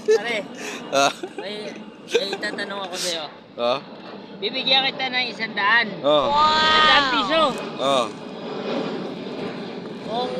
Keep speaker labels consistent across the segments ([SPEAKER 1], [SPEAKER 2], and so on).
[SPEAKER 1] Pare,
[SPEAKER 2] Ah,
[SPEAKER 1] may tatanong ako sa'yo.
[SPEAKER 2] ah,
[SPEAKER 1] Bibigyan kita ng 100.
[SPEAKER 2] oh,
[SPEAKER 1] 100 piso.
[SPEAKER 2] oh.
[SPEAKER 1] Kung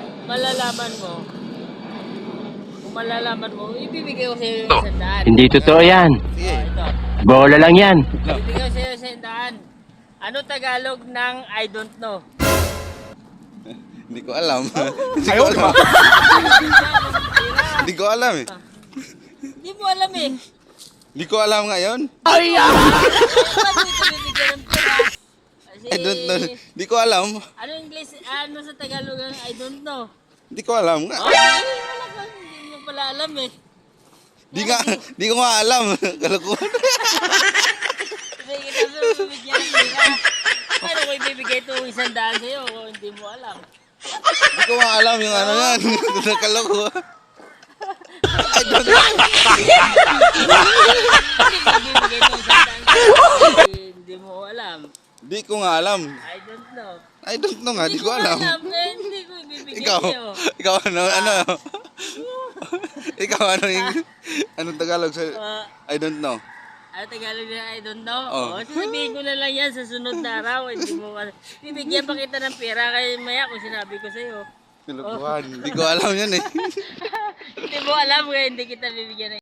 [SPEAKER 1] malalaman mo, ibibigay ko sa'yo yung 100.
[SPEAKER 3] Hindi totoo yan.
[SPEAKER 2] Sige.
[SPEAKER 1] Ito.
[SPEAKER 3] Bola lang yan.
[SPEAKER 1] Ibibigay ko sa'yo yung 100. Ano Tagalog ng I don't know?
[SPEAKER 2] Hindi ko alam. Hindi ko alam. Hindi ko alam eh.
[SPEAKER 1] Hindi mo alam eh.
[SPEAKER 2] Hindi ko alam ngayon.
[SPEAKER 1] Ay, ba't ito bibigyan ng pera? Kasi,
[SPEAKER 2] I don't know. Hindi ko alam.
[SPEAKER 1] ano English, ano sa Tagalog ang I don't know?
[SPEAKER 2] Hindi ko alam nga.
[SPEAKER 1] Okay, wala ka, hindi mo pala alam eh.
[SPEAKER 2] Di ko nga alam. Kalokohan.
[SPEAKER 1] Kasi kita mo bibigyan ng pera. Paano ko ibibigay itong 100 sa'yo kung hindi mo alam?
[SPEAKER 2] Hindi ko nga alam yung ano yan. Kalokohan. I don't know.
[SPEAKER 1] Ibibigay itong 100 sa'yo, hindi mo alam.
[SPEAKER 2] Di ko nga alam.
[SPEAKER 1] I don't know.
[SPEAKER 2] I don't know nga. Di ko alam.
[SPEAKER 1] Kaya hindi ko ibibigay
[SPEAKER 2] Ikaw.
[SPEAKER 1] sa'yo.
[SPEAKER 2] Ikaw ano? Ano? Ikaw ano yung... Anong Tagalog sa... I don't know.
[SPEAKER 1] Ano Tagalog na I don't know?
[SPEAKER 2] Oh.
[SPEAKER 1] O, sasabihin ko na lang yan sa sunod na araw. Hindi mo bibigyan pa kita ng pera kaya maya kung sinabi ko sa'yo.
[SPEAKER 2] Kalokohan. Hindi ko alam yan eh.
[SPEAKER 1] Hindi mo alam kaya hindi kita bibigyan ng